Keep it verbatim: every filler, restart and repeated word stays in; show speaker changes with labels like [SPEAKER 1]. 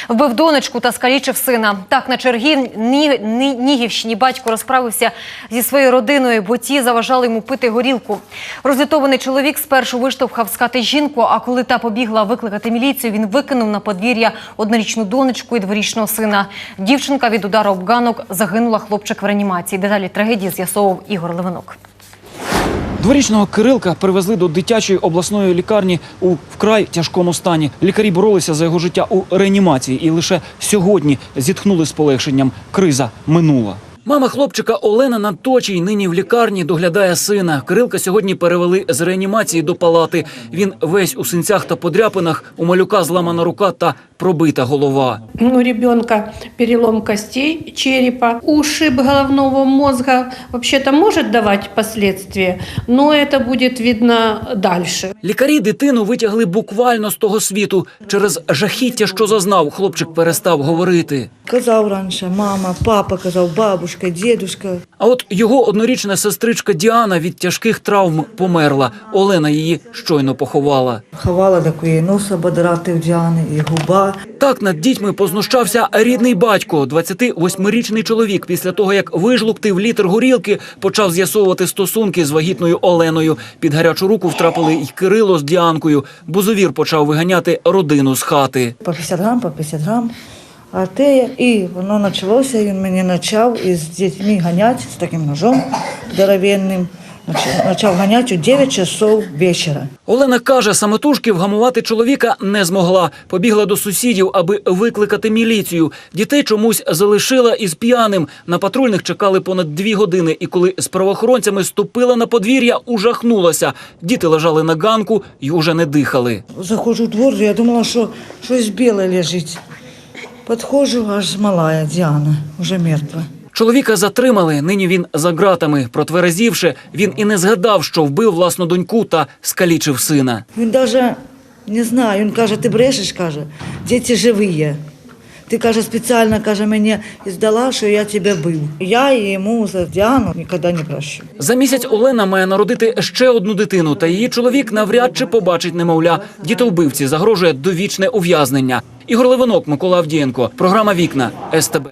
[SPEAKER 1] Вбив донечку та скалічив сина. Так, на Чернігівщині батько розправився зі своєю родиною, бо ті заважали йому пити горілку. Розлютований чоловік спершу виштовхав з хати жінку, а коли та побігла викликати міліцію, він викинув на подвір'я однорічну донечку і дворічного сина. Дівчинка від удару об ганок загинула, хлопчик в реанімації. Деталі трагедії з'ясовував Ігор Левинок.
[SPEAKER 2] Дворічного Кирилка привезли до дитячої обласної лікарні у вкрай тяжкому стані. Лікарі боролися за його життя у реанімації і лише сьогодні зітхнули з полегшенням. Криза минула. Мама хлопчика Олена Надточій нині в лікарні доглядає сина. Кирилка сьогодні перевели з реанімації до палати. Він весь у синцях та подряпинах, у малюка зламана рука та пробита голова.
[SPEAKER 3] У ребенка перелом костей черепа, ушиб головного мозга. Вообще-то может давать последствия, но это будет видно дальше.
[SPEAKER 2] Лікарі дитину витягли буквально з того світу. Через жахіття, що зазнав, хлопчик перестав говорити.
[SPEAKER 4] Казав раніше мама, папа, казав бабушка, дідушка.
[SPEAKER 2] А от його однорічна сестричка Діана від тяжких травм померла. Олена її щойно поховала.
[SPEAKER 4] Ховала такої носа ободрати в Діани і губа.
[SPEAKER 2] Так над дітьми познущався рідний батько. двадцятивосьмирічний чоловік після того, як вижлуктив літр горілки, почав з'ясовувати стосунки з вагітною Оленою. Під гарячу руку втрапили й Кирило з Діанкою. Бузовір почав виганяти родину з хати.
[SPEAKER 4] По п'ятдесят грам, по п'ятдесят грам. А те, і воно почалося, він мені почав із дітьми ганяти з таким ножом здоровенним. Почав ганяти у дев'ять часов вечора.
[SPEAKER 2] Олена каже, самотужки вгамувати чоловіка не змогла. Побігла до сусідів, аби викликати міліцію. Дітей чомусь залишила із п'яним. На патрульних чекали понад дві години. І коли з правоохоронцями ступила на подвір'я, ужахнулася. Діти лежали на ганку і уже не дихали.
[SPEAKER 4] Заходжу в двор, я думала, що щось біле лежить. Підходжу, аж малая Діана, вже мертва.
[SPEAKER 2] Чоловіка затримали, нині він за ґратами. Протверезівши, він і не згадав, що вбив власну доньку та скалічив сина.
[SPEAKER 4] Він навіть не знає, він каже, ти брешеш, каже, діти живі. Ти, каже, спеціально, каже, мені здала, що я тебе бив. Я йому за Діану ніколи не прощу.
[SPEAKER 2] За місяць Олена має народити ще одну дитину, та її чоловік навряд чи побачить немовля. Дітовбивці загрожує довічне ув'язнення. Ігор Левинок, Микола Авдієнко. Програма «Вікна» ес те бе.